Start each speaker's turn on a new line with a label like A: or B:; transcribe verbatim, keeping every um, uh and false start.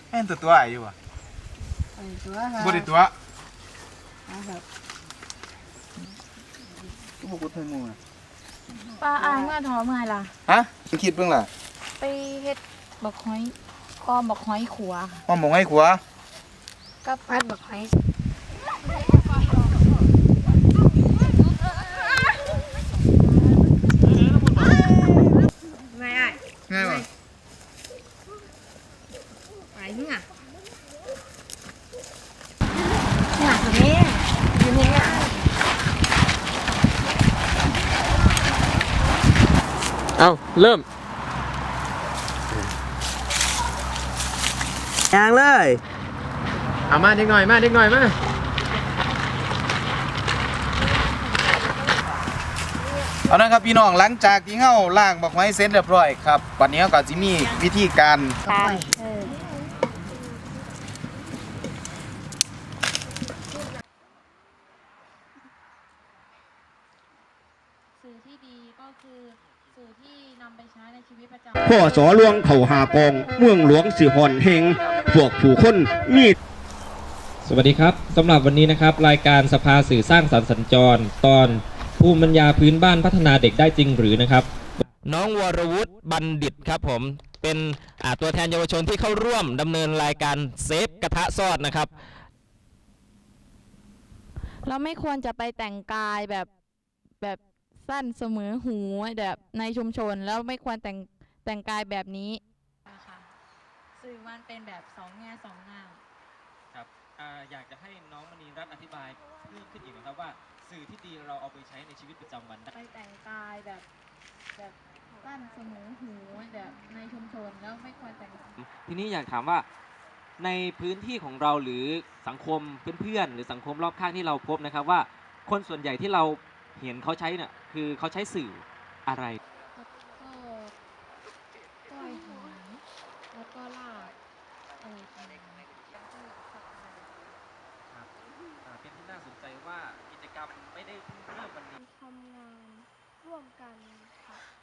A: แม่นตัวตัวอายุอ่ะ
B: ตัวค่ะ
A: บริตัว
B: ครับ
A: ก็บอกว่าไทยมูอ่ะ
C: ปลาอายเมื่อท้อเมื่อล่ะ
A: ฮะมึงคิดเบิ่งล่ะ
C: ไปเฮ็ดบักหอยก้อมบักหอยขัว
A: ว่าหมองให้ขัว
C: กับพัดบักหอย
B: ไม่ได้
A: ง่ายวะ
B: ไปเนี่ยเนี่ยตรงนี้อยู่นี่นะ
D: เอาเริ่ม
E: ยางเลย
D: เอามาเด็กหน่อยมาเด็กหน่อยมา
A: เอานะครับพี่น้องหลังจากที่เฮาล้างบักไม้เสร็จเรียบร้อยครับวันนี้เราก็จะมีวิธีการ
C: ทานเออสื่อที่ดีก็คือสื่อที่นำไปใช้ในชีวิตประจำวัน
E: พ่อสอหลวงเข่าหากองเมืองหลวงสิหอนเฮงพวกผู้คนมี
F: สวัสดีครับสำหรับวันนี้นะครับรายการสภาสื่อสร้างสรรค์สัญจรตอนภูมิปัญญาพื้นบ้านพัฒนาเด็กได้จริงหรือนะครับน้องวรวุฒิบัณฑิตครับผมเป็นตัวแทนเยาวชนที่เข้าร่วมดำเนินรายการเซฟกระทะซอดนะครับ
C: เราไม่ควรจะไปแต่งกายแบบแบบสั้นเสมอหูแบบในชุมชนแล้วไม่ควรแต่งแต่งกายแบบนี้ค่ะสื่อมันเป็นแบบสองแง่สองงาม
F: ครับอยากจะให้น้องมณีรัตน์อธิบายเพิ่มขึ้นอีกนะครับว่าสื่อที่ดีเราเอาไปใช้ในชีวิตประจำวันได้
C: ไปแต่งกายแบบแบบสั้นเสมอหูแบบในชุมชนแล้วไม่ควรแต่ง
F: ทีนี้อยากถามว่าในพื้นที่ของเราหรือสังคมเพื่อนๆหรือสังคมรอบข้างที่เราพบนะครับว่าคนส่วนใหญ่ที่เราเห็นเขาใช้เนี่ยคือเขาใช้สื่ออะไร
C: ก็ก้อยหางแล้วก็ลากอะไรอะไร
F: ครับเป็นที่น่าสนใจว่ากิจกรรมไม่ได้เพิ่งเริ่มวันนี้
G: ทำงานร่วมกันค่ะ